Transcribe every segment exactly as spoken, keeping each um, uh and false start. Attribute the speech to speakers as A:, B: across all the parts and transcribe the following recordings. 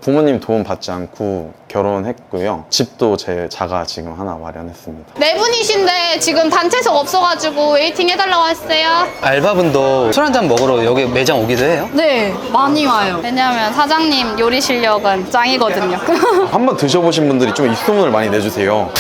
A: 부모님 도움 받지 않고 결혼했고요. 집도 제 자가 지금 하나 마련했습니다.
B: 네 분이신데 지금 단체석 없어가지고 웨이팅 해달라고 했어요.
C: 알바분도 술 한잔 먹으러 여기 매장 오기도 해요?
B: 네, 많이 와요. 왜냐면 사장님 요리 실력은 짱이거든요.
A: 한번 드셔보신 분들이 좀 입소문을 많이 내주세요.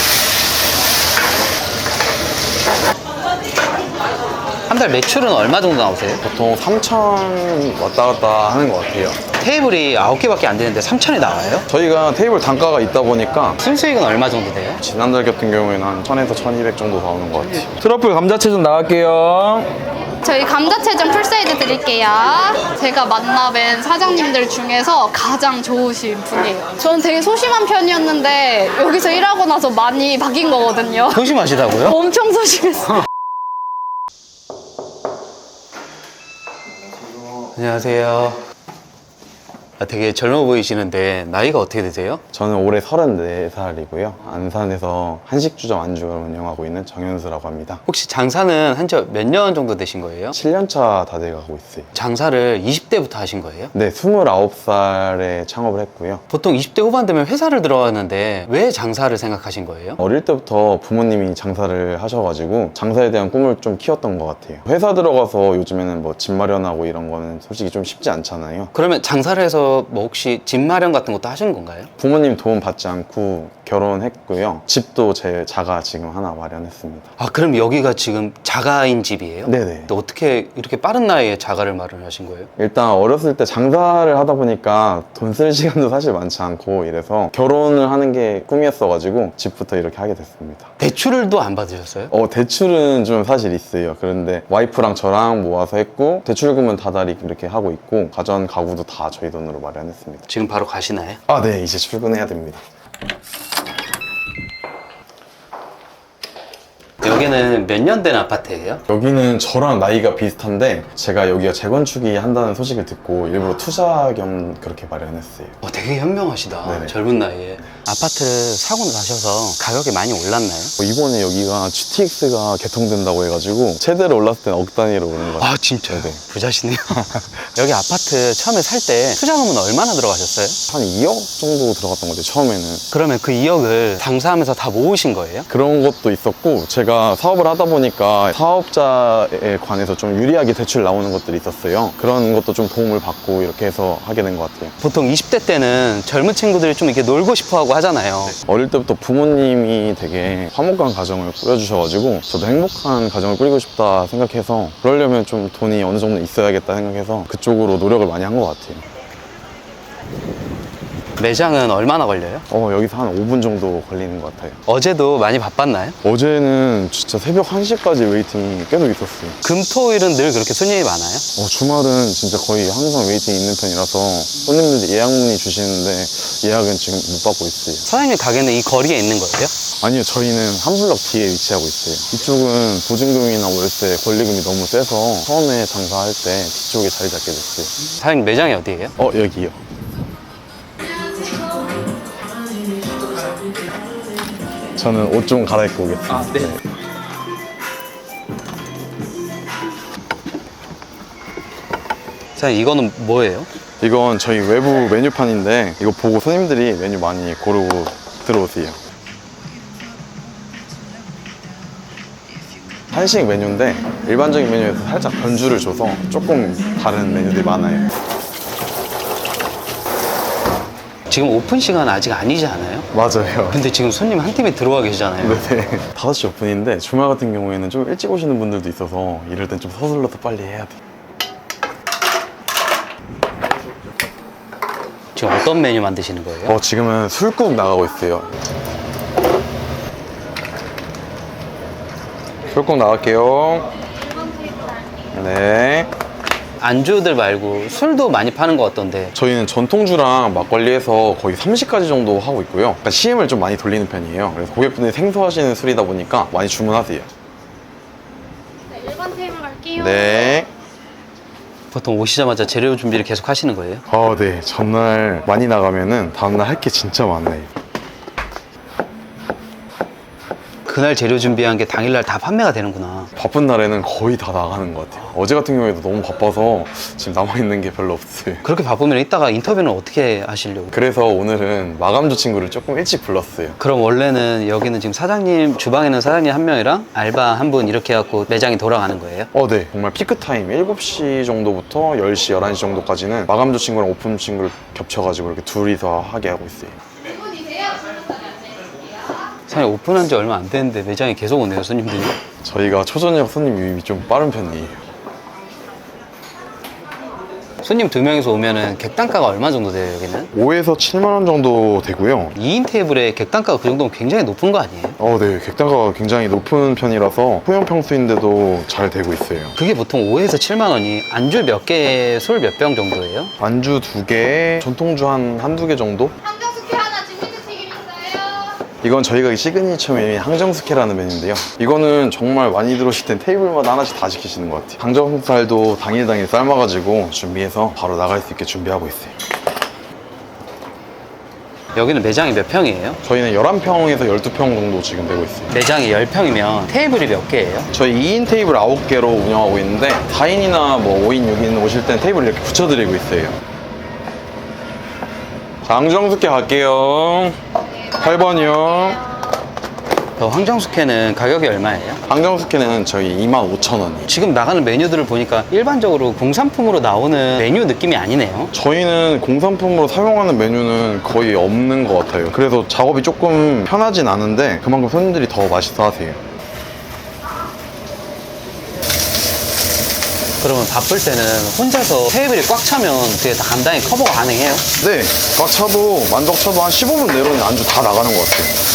C: 한 달 매출은 얼마 정도 나오세요?
A: 보통 삼천 왔다 갔다 하는 것 같아요.
C: 테이블이 아홉 개밖에 안 되는데 삼천이 나와요?
A: 저희가 테이블 단가가 있다 보니까
C: 순수익은 얼마 정도 돼요?
A: 지난달 같은 경우에는 한 천에서 천이백 정도 나오는 것 같아요. 트러플 감자채 좀 나갈게요.
B: 저희 감자채전 풀사이드 드릴게요. 제가 만나뵌 사장님들 중에서 가장 좋으신 분이에요. 저는 되게 소심한 편이었는데 여기서 일하고 나서 많이 바뀐 거거든요.
C: 소심하시다고요?
B: 엄청 소심했어요.
C: 안녕하세요. 아, 되게 젊어 보이시는데 나이가 어떻게 되세요?
A: 저는 올해 서른네 살이고요. 안산에서 한식주점 안주를 운영하고 있는 정현수라고 합니다.
C: 혹시 장사는 한 지 몇 년 정도 되신 거예요?
A: 칠 년 차 다 돼가고 있어요.
C: 장사를 이십 대부터 하신 거예요?
A: 네, 스물아홉 살에 창업을 했고요.
C: 보통 이십 대 후반 되면 회사를 들어가는데 왜 장사를 생각하신 거예요?
A: 어릴 때부터 부모님이 장사를 하셔가지고 장사에 대한 꿈을 좀 키웠던 것 같아요. 회사 들어가서 요즘에는 뭐 집 마련하고 이런 거는 솔직히 좀 쉽지 않잖아요.
C: 그러면 장사를 해서 뭐 혹시 집 마련 같은 것도 하신 건가요?
A: 부모님 도움 받지 않고 결혼했고요. 집도 제 자가 지금 하나 마련했습니다.
C: 아, 그럼 여기가 지금 자가인 집이에요?
A: 네네.
C: 또 어떻게 이렇게 빠른 나이에 자가를 마련하신 거예요?
A: 일단 어렸을 때 장사를 하다 보니까 돈 쓸 시간도 사실 많지 않고 이래서 결혼을 하는 게 꿈이었어가지고 집부터 이렇게 하게 됐습니다.
C: 대출도 안 받으셨어요?
A: 어, 대출은 좀 사실 있어요. 그런데 와이프랑 저랑 모아서 했고 대출금은 다달이 이렇게 하고 있고 가전 가구도 다 저희 돈으로 마련했습니다.
C: 지금 바로 가시나요?
A: 아, 네, 이제 출근해야 됩니다.
C: 여기는 몇 년 된 아파트예요?
A: 여기는 저랑 나이가 비슷한데 제가 여기가 재건축이 한다는 소식을 듣고 일부러 투자 겸 그렇게 마련했어요.
C: 어, 되게 현명하시다.
A: 네네.
C: 젊은 나이에. 아파트를 사고 나셔서 가격이 많이 올랐나요?
A: 어, 이번에 여기가 지티엑스가 개통된다고 해가지고 최대로 올랐을 때는 억 단위로 오는 것 같아요.
C: 아, 진짜요?
A: 네네.
C: 부자시네요. 여기 아파트 처음에 살 때 투자금은 얼마나 들어가셨어요?
A: 한 이억 정도 들어갔던 것 같아요, 처음에는.
C: 그러면 그 이억을 장사하면서 다 모으신 거예요?
A: 그런 것도 있었고 제가 사업을 하다 보니까 사업자에 관해서 좀 유리하게 대출 나오는 것들이 있었어요. 그런 것도 좀 도움을 받고 이렇게 해서 하게 된 것 같아요.
C: 보통 이십 대 때는 젊은 친구들이 좀 이렇게 놀고 싶어 하고 하잖아요.
A: 어릴 때부터 부모님이 되게 화목한 가정을 꾸려주셔가지고 저도 행복한 가정을 꾸리고 싶다 생각해서 그러려면 좀 돈이 어느 정도 있어야겠다 생각해서 그쪽으로 노력을 많이 한 것 같아요.
C: 매장은 얼마나 걸려요?
A: 어, 여기서 한 오 분 정도 걸리는 것 같아요.
C: 어제도 많이 바빴나요?
A: 어제는 진짜 새벽 한 시까지 웨이팅이 계속 있었어요.
C: 금, 토, 일은 늘 그렇게 손님이 많아요?
A: 어, 주말은 진짜 거의 항상 웨이팅이 있는 편이라서 손님들이 예약 문의 주시는데 예약은 지금 못 받고 있어요.
C: 사장님 가게는 이 거리에 있는 거예요?
A: 아니요, 저희는 한 블럭 뒤에 위치하고 있어요. 이쪽은 보증금이나 월세, 권리금이 너무 세서 처음에 장사할 때 뒤쪽에 자리 잡게 됐어요.
C: 사장님 매장이 어디예요?
A: 어, 여기요. 저는 옷 좀 갈아입고 오겠습니다.
C: 아, 네. 사장님 이거는 뭐예요?
A: 이건 저희 외부 메뉴판인데 이거 보고 손님들이 메뉴 많이 고르고 들어오세요. 한식 메뉴인데 일반적인 메뉴에서 살짝 변주를 줘서 조금 다른 메뉴들이 많아요.
C: 지금 오픈 시간 아직 아니지 않아요?
A: 맞아요.
C: 근데 지금 손님 한 팀이 들어와 계시잖아요.
A: 네. 다섯 시 오픈인데 주말 같은 경우에는 좀 일찍 오시는 분들도 있어서 이럴 땐 좀 서둘러서 빨리 해야 돼.
C: 지금 어떤 메뉴 만드시는 거예요?
A: 어, 지금은 술국 나가고 있어요. 술국 나갈게요. 네.
C: 안주들 말고 술도 많이 파는 것 같던데.
A: 저희는 전통주랑 막걸리에서 거의 삼십 가지 정도 하고 있고요. 그러니까 씨엠을 좀 많이 돌리는 편이에요. 그래서 고객분들이 생소하시는 술이다 보니까 많이 주문하세요.
B: 네, 일반 테이블 갈게요.
A: 네.
C: 보통 오시자마자 재료 준비를 계속 하시는 거예요?
A: 아, 네. 전날 많이 나가면은 다음날 할 게 진짜 많아요.
C: 그날 재료 준비한 게 당일날 다 판매가 되는구나.
A: 바쁜 날에는 거의 다 나가는 것 같아요. 어제 같은 경우에도 너무 바빠서 지금 남아있는 게 별로 없어요.
C: 그렇게 바쁘면 이따가 인터뷰는 어떻게 하시려고?
A: 그래서 오늘은 마감조 친구를 조금 일찍 불렀어요.
C: 그럼 원래는 여기는 지금 사장님, 주방에는 사장님 한 명이랑 알바 한 분 이렇게 해갖고 매장이 돌아가는 거예요?
A: 어, 네. 정말 피크타임 일곱 시 정도부터 열 시, 열한 시 정도까지는 마감조 친구랑 오픈 친구를 겹쳐가지고 이렇게 둘이서 하게 하고 있어요.
C: 사장님 오픈한 지 얼마 안 됐는데 매장에 계속 오네요, 손님들이.
A: 저희가 초저녁 손님 유입이 좀 빠른 편이에요.
C: 손님 두 명이서 오면은 객단가가 얼마 정도 돼요, 여기는?
A: 오에서 칠만 원 정도 되고요.
C: 이 인 테이블에 객단가가 그 정도면 굉장히 높은 거 아니에요?
A: 어, 네. 객단가가 굉장히 높은 편이라서 소형 평수인데도 잘 되고 있어요.
C: 그게 보통 오에서 칠만 원이 안주 몇 개, 술 몇 병 정도예요?
A: 안주 두 개, 전통주 한 한두 개 정도?
B: 항정숙회 하나, 진미채 튀김 있어요.
A: 이건 저희가 시그니처 메뉴인 항정숙회라는 메뉴인데요. 이거는 정말 많이 들어오실 땐 테이블마다 하나씩 다 시키시는 것 같아요. 항정살도 당일 당일 삶아가지고 준비해서 바로 나갈 수 있게 준비하고 있어요.
C: 여기는 매장이 몇 평이에요?
A: 저희는 열한 평에서 열두 평 정도 지금 되고 있어요.
C: 매장이 십 평이면 테이블이 몇 개예요?
A: 저희 이 인 테이블 아홉 개로 운영하고 있는데 사 인이나 뭐 오 인, 육 인 오실 땐 테이블 이렇게 붙여드리고 있어요. 자, 항정숙회 갈게요. 팔 번이요.
C: 저 황정숙회는 가격이 얼마예요?
A: 항정숙회는 저희 이만 오천 원이에요.
C: 지금 나가는 메뉴들을 보니까 일반적으로 공산품으로 나오는 메뉴 느낌이 아니네요.
A: 저희는 공산품으로 사용하는 메뉴는 거의 없는 것 같아요. 그래서 작업이 조금 편하진 않은데 그만큼 손님들이 더 맛있어 하세요.
C: 그러면 바쁠 때는 혼자서 테이블이 꽉 차면 그게 다 간단히 커버가 가능해요?
A: 네, 꽉 차도 만덕 차도 한 십오 분 내로는 안주 다 나가는 것 같아요.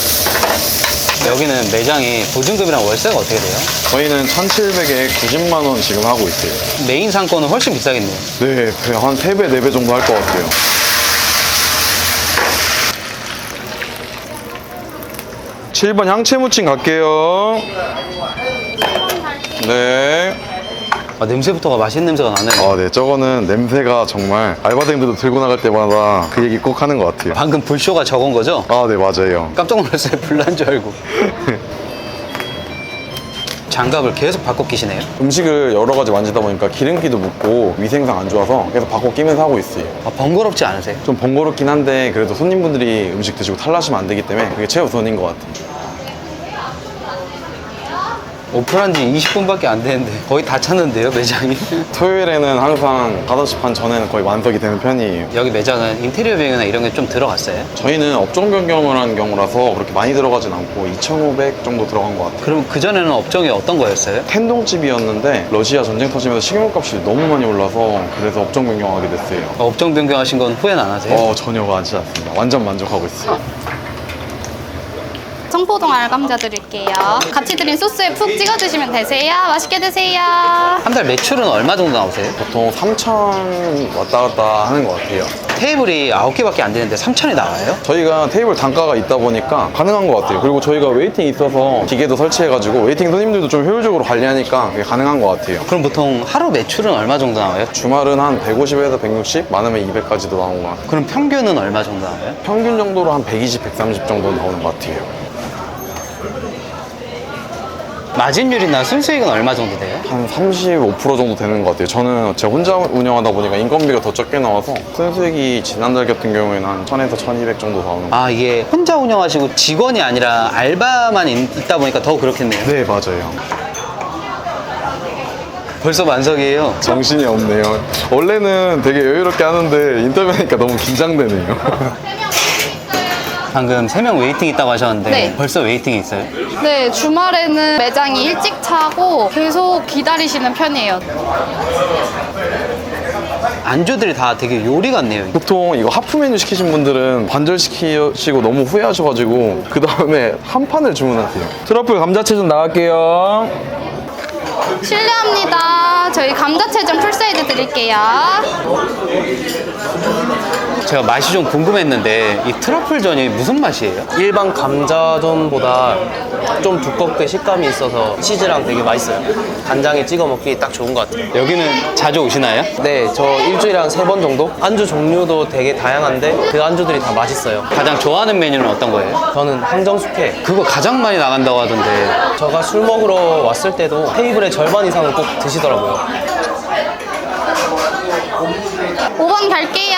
C: 여기는 매장이 보증금이랑 월세가 어떻게 돼요?
A: 저희는 천칠백에 구십만 원 지금 하고 있어요.
C: 메인 상권은 훨씬 비싸겠네요.
A: 네, 한 세 배, 네 배 정도 할 것 같아요. 칠 번 향채무침 갈게요. 네.
C: 아, 냄새부터가 맛있는 냄새가 나네요.
A: 아, 네. 저거는 냄새가 정말 알바생들도 들고 나갈 때마다 그 얘기 꼭 하는 것 같아요.
C: 방금 불쇼가 저건 거죠?
A: 아, 네, 맞아요.
C: 깜짝 놀랐어요. 불난 줄 알고. 장갑을 계속 바꿔 끼시네요.
A: 음식을 여러 가지 만지다 보니까 기름기도 묻고 위생상 안 좋아서 계속 바꿔 끼면서 하고 있어요.
C: 아, 번거롭지 않으세요?
A: 좀 번거롭긴 한데 그래도 손님분들이 음식 드시고 탈나시면 안 되기 때문에 그게 최우선인 것 같아요.
C: 오픈한 지 이십 분밖에 안 되는데 거의 다 찼는데요, 매장이?
A: 토요일에는 항상 다섯 시 반 전에는 거의 만석이 되는 편이에요.
C: 여기 매장은 인테리어 비용이나 이런 게 좀 들어갔어요?
A: 저희는 업종 변경을 한 경우라서 그렇게 많이 들어가진 않고 이천오백 정도 들어간 것 같아요.
C: 그럼 그전에는 업종이 어떤 거였어요?
A: 텐동집이었는데 러시아 전쟁 터지면서 식료값이 너무 많이 올라서 그래서 업종 변경하게 됐어요.
C: 어, 업종 변경하신 건 후회는 안 하세요?
A: 어, 전혀 하지 않습니다. 완전 만족하고 있어요.
B: 청포동 알감자 드릴게요. 같이 드린 소스에 푹 찍어 드시면 되세요. 맛있게 드세요.
C: 한 달 매출은 얼마 정도 나오세요?
A: 보통 삼천 왔다 갔다 하는 것 같아요.
C: 테이블이 아홉 개밖에 안 되는데 삼천이 나와요?
A: 저희가 테이블 단가가 있다 보니까 가능한 것 같아요. 그리고 저희가 웨이팅 있어서 기계도 설치해가지고 웨이팅 손님들도 좀 효율적으로 관리하니까 그게 가능한 것 같아요.
C: 그럼 보통 하루 매출은 얼마 정도 나와요?
A: 주말은 한 백오십에서 백육십, 많으면 이백까지도 나오는 것 같아요.
C: 그럼 평균은 얼마 정도 나와요?
A: 평균 정도로 한 백이십, 백삼십 정도 나오는 것 같아요.
C: 마진율이나 순수익은 얼마 정도 돼요?
A: 한 삼십오 퍼센트 정도 되는 것 같아요. 저는 제가 혼자 운영하다 보니까 인건비가 더 적게 나와서 순수익이 지난달 같은 경우에는 한 천에서 천이백 정도 나오는 것 같아요.
C: 아, 이게 혼자 운영하시고 직원이 아니라 알바만 있- 있다 보니까 더 그렇겠네요.
A: 네, 맞아요.
C: 벌써 만석이에요.
A: 정신이 없네요. 원래는 되게 여유롭게 하는데 인터뷰하니까 너무 긴장되네요.
C: 방금 세 명 웨이팅 있다고 하셨는데
B: 네.
C: 벌써 웨이팅이 있어요?
B: 네, 주말에는 매장이 일찍 차고 계속 기다리시는 편이에요.
C: 안주들이 다 되게 요리 같네요.
A: 보통 이거 하프 메뉴 시키신 분들은 반절시키시고 너무 후회하셔가지고 그 다음에 한 판을 주문하세요. 트러플 감자채 좀 나갈게요.
B: 실례합니다. 저희 감자채전 풀사이드 드릴게요.
C: 제가 맛이 좀 궁금했는데 이 트러플전이 무슨 맛이에요?
D: 일반 감자전보다 좀 두껍게 식감이 있어서 치즈랑 되게 맛있어요. 간장에 찍어 먹기 딱 좋은 것 같아요.
C: 여기는 자주 오시나요?
D: 네, 저 일주일에 한 세 번 정도? 안주 종류도 되게 다양한데 그 안주들이 다 맛있어요.
C: 가장 좋아하는 메뉴는 어떤 거예요?
D: 저는 항정숙회.
C: 그거 가장 많이 나간다고 하던데.
D: 제가 술 먹으러 왔을 때도 테이블의 절반 이상은 꼭 드시더라고요.
B: 오 번 갈게요.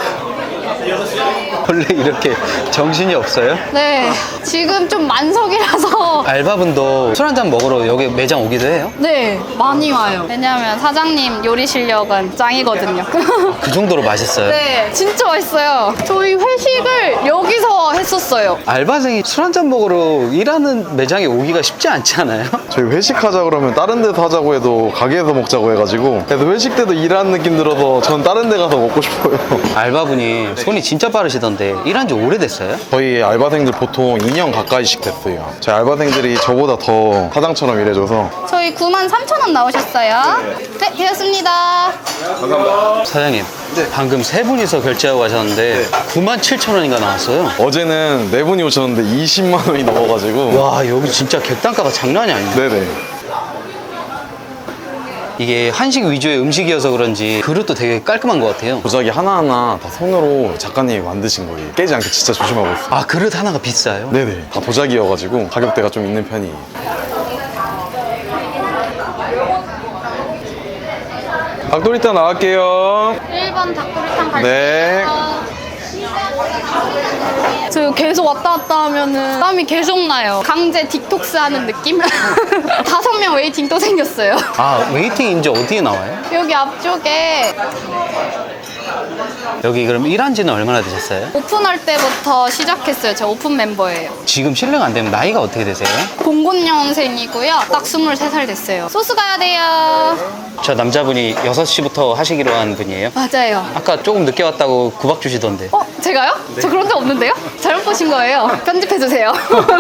C: 원래 이렇게 정신이 없어요?
B: 네, 지금 좀 만석이라서
C: 알바분도 술 한잔 먹으러 여기 매장 오기도 해요?
B: 네, 많이 와요. 왜냐면 사장님 요리 실력은 짱이거든요.
C: 그 정도로 맛있어요?
B: 네, 진짜 맛있어요. 저희 회식을 여기서 했었어요.
C: 알바생이 술 한잔 먹으러 일하는 매장에 오기가 쉽지 않지 않아요?
A: 저희 회식하자 그러면 다른 데서 하자고 해도 가게에서 먹자고 해가지고 그래서 회식 때도 일하는 느낌 들어서 전 다른 데 가서 먹고 싶어요.
C: 알바분이 손이 진짜 빠르시던데 일한 지 오래됐어요?
A: 저희 알바생들 보통 이 년 가까이씩 됐어요. 저희 알바생들이 저보다 더 사장처럼 일해줘서
B: 저희 구만 삼천 원 나오셨어요. 네, 되었습니다.
C: 사장님 방금 세 분이서 결제하고 가셨는데 구만 칠천 원인가 나왔어요.
A: 어제는 네 분이 오셨는데 이십만 원이 넘어가지고
C: 와 여기 진짜 객단가가 장난이 아니네.
A: 네네.
C: 이게 한식 위주의 음식이어서 그런지 그릇도 되게 깔끔한 것 같아요.
A: 도자기 하나하나 다 손으로 작가님이 만드신 거예요. 깨지 않게 진짜 조심하고 있어요.
C: 아 그릇 하나가 비싸요?
A: 네네. 다 도자기여가지고 가격대가 좀 있는 편이에요. 닭도리탕 나갈게요.
B: 일 번 닭도리탕 갈게요.
A: 네.
B: 저 계속 왔다 갔다 하면은 땀이 계속 나요. 강제 디톡스 하는 느낌? 다섯 명 웨이팅 또 생겼어요.
C: 아 웨이팅 이제 어디에 나와요?
B: 여기 앞쪽에
C: 여기 그럼 일한 지는 얼마나 되셨어요?
B: 오픈할 때부터 시작했어요. 제가 오픈 멤버예요.
C: 지금 실례가 안 되면 나이가 어떻게 되세요?
B: 공군년생이고요. 딱 스물세 살 됐어요. 소스 가야 돼요.
C: 저 남자분이 여섯 시부터 하시기로 한 분이에요.
B: 맞아요.
C: 아까 조금 늦게 왔다고 구박 주시던데.
B: 어? 제가요? 저 그런 적 없는데요? 잘못 보신 거예요. 편집해주세요.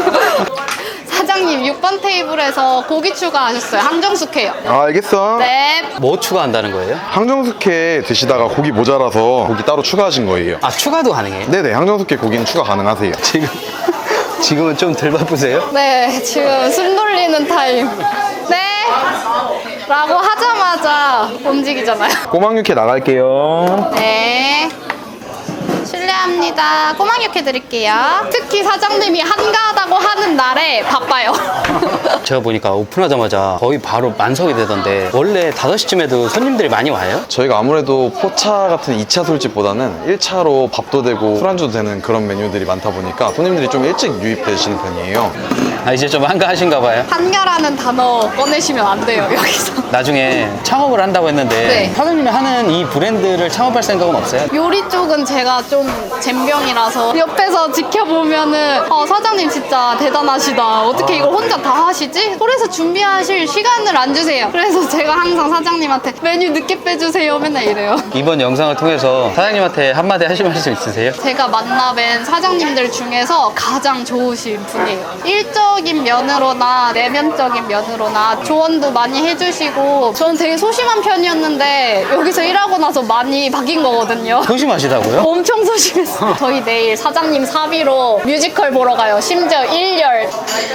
B: 사장님 육 번 테이블에서 고기 추가하셨어요. 항정숙회요.
A: 아, 알겠어.
B: 네.
C: 뭐 추가한다는 거예요?
A: 항정숙회 드시다가 고기 모자라서 고기 따로 추가하신 거예요.
C: 아 추가도 가능해요?
A: 네네. 항정숙회 고기는 추가 가능하세요.
C: 지금 지금은 좀 덜 바쁘세요?
B: 네, 지금 숨 돌리는 타임. 네. 라고 하자마자 움직이잖아요.
A: 꼬막육회 나갈게요.
B: 네. 실례합니다. 꼬막 육회 드릴게요. 특히 사장님이 한가하다고 하는 날에 바빠요.
C: 제가 보니까 오픈하자마자 거의 바로 만석이 되던데 원래 다섯 시쯤에도 손님들이 많이 와요?
A: 저희가 아무래도 포차 같은 이 차 술집보다는 일 차로 밥도 되고 술안주도 되는 그런 메뉴들이 많다 보니까 손님들이 좀 일찍 유입되시는 편이에요.
C: 아 이제 좀 한가하신가 봐요?
B: 한가라는 단어 꺼내시면 안 돼요, 여기서.
C: 나중에 창업을 한다고 했는데
B: 네.
C: 사장님이 하는 이 브랜드를 창업할 생각은 없어요?
B: 요리 쪽은 제가 좀 젬병이라서 옆에서 지켜보면은 어, 사장님 진짜 대단하시다. 어떻게 이걸 혼자 다 하시지? 그래서 준비하실 시간을 안 주세요. 그래서 제가 항상 사장님한테 메뉴 늦게 빼주세요. 맨날 이래요.
C: 이번 영상을 통해서 사장님한테 한마디 하실 말씀 있으세요?
B: 제가 만나뵌 사장님들 중에서 가장 좋으신 분이에요. 일적인 면으로나 내면적인 면으로나 조언도 많이 해주시고 저는 되게 소심한 편이었는데 여기서 일하고 나서 많이 바뀐 거거든요.
C: 소심하시다고요?
B: 엄청 소심했어요. 저희 내일 사장님 사비로 뮤지컬 보러 가요. 심지어 일 열.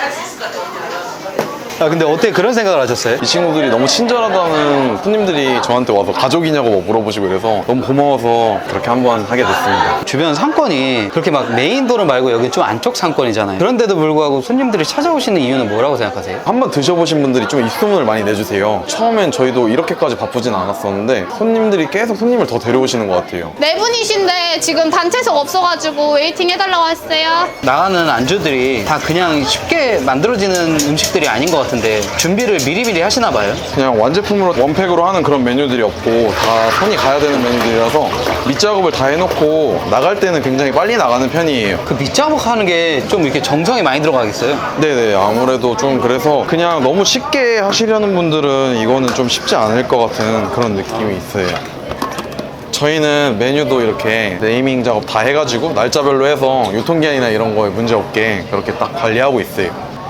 C: 아 근데 어떻게 그런 생각을 하셨어요?
A: 이 친구들이 너무 친절하다는 손님들이 저한테 와서 가족이냐고 뭐 물어보시고 이래서 너무 고마워서 그렇게 한번 하게 됐습니다.
C: 주변 상권이 그렇게 막 메인 도로 말고 여기 좀 안쪽 상권이잖아요. 그런데도 불구하고 손님들이 찾아오시는 이유는 뭐라고 생각하세요?
A: 한번 드셔보신 분들이 좀 입소문을 많이 내주세요. 처음엔 저희도 이렇게까지 바쁘진 않았었는데 손님들이 계속 손님을 더 데려오시는 것 같아요.
B: 네 분이신데 지금 단체석 없어가지고 웨이팅 해달라고 했어요.
C: 나가는 안주들이 다 그냥 쉽게 만들어지는 음식들이 아닌 것 같은데 준비를 미리미리 하시나 봐요?
A: 그냥 완제품으로 원팩으로 하는 그런 메뉴들이 없고 다 손이 가야 되는 메뉴들이라서 밑작업을 다 해놓고 나갈 때는 굉장히 빨리 나가는 편이에요.
C: 그 밑작업 하는 게 좀 이렇게 정성이 많이 들어가겠어요?
A: 네네, 아무래도 좀 그래서 그냥 너무 쉽게 하시려는 분들은 이거는 좀 쉽지 않을 것 같은 그런 느낌이 있어요. 저희는 메뉴도 이렇게 네이밍 작업 다 해가지고 날짜별로 해서 유통기한이나 이런 거에 문제 없게 그렇게 딱 관리하고 있어요.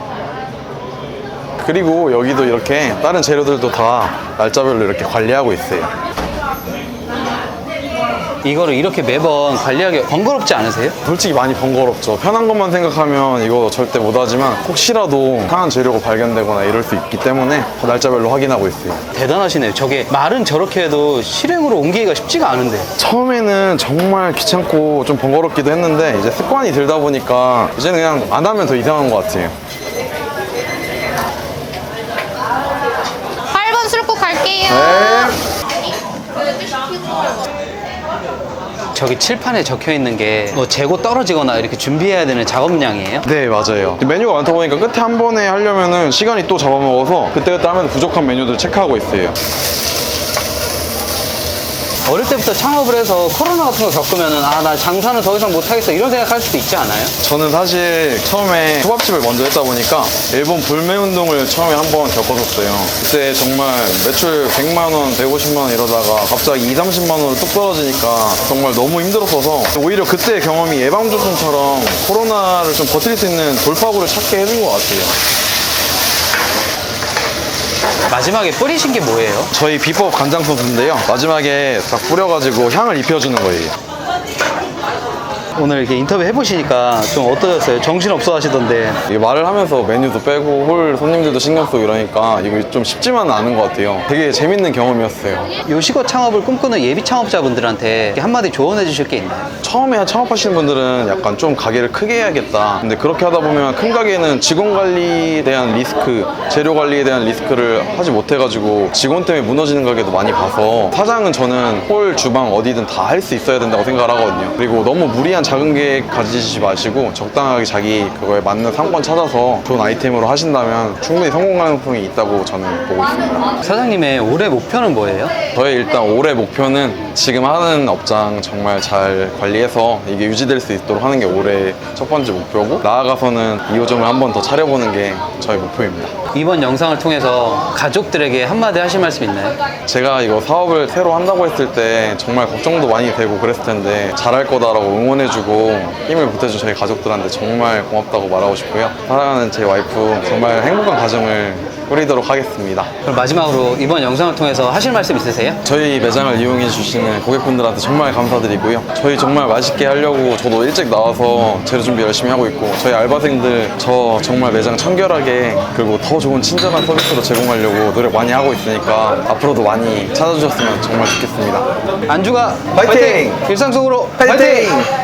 A: 그리고 여기도 이렇게 다른 재료들도 다 날짜별로 이렇게 관리하고 있어요.
C: 이거를 이렇게 매번 관리하기 번거롭지 않으세요?
A: 솔직히 많이 번거롭죠. 편한 것만 생각하면 이거 절대 못하지만 혹시라도 상한 재료가 발견되거나 이럴 수 있기 때문에 날짜별로 확인하고 있어요.
C: 대단하시네요. 저게 말은 저렇게 해도 실행으로 옮기기가 쉽지가 않은데.
A: 처음에는 정말 귀찮고 좀 번거롭기도 했는데 이제 습관이 들다 보니까 이제는 그냥 안 하면 더 이상한 것 같아요.
B: 팔 번 술국 갈게요.
A: 네.
C: 저기 칠판에 적혀 있는 게 뭐 재고 떨어지거나 이렇게 준비해야 되는 작업량이에요?
A: 네, 맞아요. 메뉴가 많다 보니까 끝에 한 번에 하려면은 시간이 또 잡아먹어서 그때그때 하면 부족한 메뉴들 체크하고 있어요.
C: 어릴 때부터 창업을 해서 코로나 같은 거 겪으면은 아, 나 장사는 더 이상 못하겠어 이런 생각할 수도 있지 않아요?
A: 저는 사실 처음에 초밥집을 먼저 했다 보니까 일본 불매운동을 처음에 한 번 겪었었어요. 그때 정말 매출 백만 원, 백오십만 원 이러다가 갑자기 이삼십만 원으로 뚝 떨어지니까 정말 너무 힘들었어서 오히려 그때의 경험이 예방접종처럼 코로나를 좀 버틸 수 있는 돌파구를 찾게 해준 것 같아요.
C: 마지막에 뿌리신 게 뭐예요?
A: 저희 비법 간장 소스인데요. 마지막에 딱 뿌려가지고 향을 입혀주는 거예요.
C: 오늘 이렇게 인터뷰 해보시니까 좀 어떠셨어요? 정신없어 하시던데.
A: 이게 말을 하면서 메뉴도 빼고 홀 손님들도 신경 쓰고 이러니까 이거 좀 쉽지만은 않은 것 같아요. 되게 재밌는 경험이었어요.
C: 요식업 창업을 꿈꾸는 예비 창업자분들한테 이렇게 한마디 조언해 주실 게 있나요?
A: 처음에 창업하시는 분들은 약간 좀 가게를 크게 해야겠다. 근데 그렇게 하다 보면 큰 가게는 직원 관리에 대한 리스크, 재료 관리에 대한 리스크를 하지 못해가지고 직원 때문에 무너지는 가게도 많이 봐서 사장은 저는 홀, 주방 어디든 다 할 수 있어야 된다고 생각을 하거든요. 그리고 너무 무리한 작은 계획 가지지 마시고 적당하게 자기 그거에 맞는 상권 찾아서 좋은 아이템으로 하신다면 충분히 성공 가능성이 있다고 저는 보고 있습니다.
C: 사장님의 올해 목표는 뭐예요?
A: 저의 일단 올해 목표는 지금 하는 업장 정말 잘 관리해서 이게 유지될 수 있도록 하는 게 올해 첫 번째 목표고 나아가서는 이 호점을 한 번 더 차려보는 게 저의 목표입니다.
C: 이번 영상을 통해서 가족들에게 한마디 하실 말씀 있나요?
A: 제가 이거 사업을 새로 한다고 했을 때 정말 걱정도 많이 되고 그랬을 텐데 잘할 거다라고 응원해주고 힘을 보태준 저희 가족들한테 정말 고맙다고 말하고 싶고요. 사랑하는 제 와이프 정말 행복한 가정을 꾸리도록 하겠습니다.
C: 그럼 마지막으로 이번 영상을 통해서 하실 말씀 있으세요?
A: 저희 매장을 이용해 주시는 고객분들한테 정말 감사드리고요. 저희 정말 맛있게 하려고 저도 일찍 나와서 재료 준비 열심히 하고 있고 저희 알바생들 저 정말 매장 청결하게 그리고 더 좋은 친절한 서비스로 제공하려고 노력 많이 하고 있으니까 앞으로도 많이 찾아주셨으면 정말 좋겠습니다.
C: 안주가
A: 파이팅!
C: 일상 속으로
A: 파이팅!
C: 파이팅!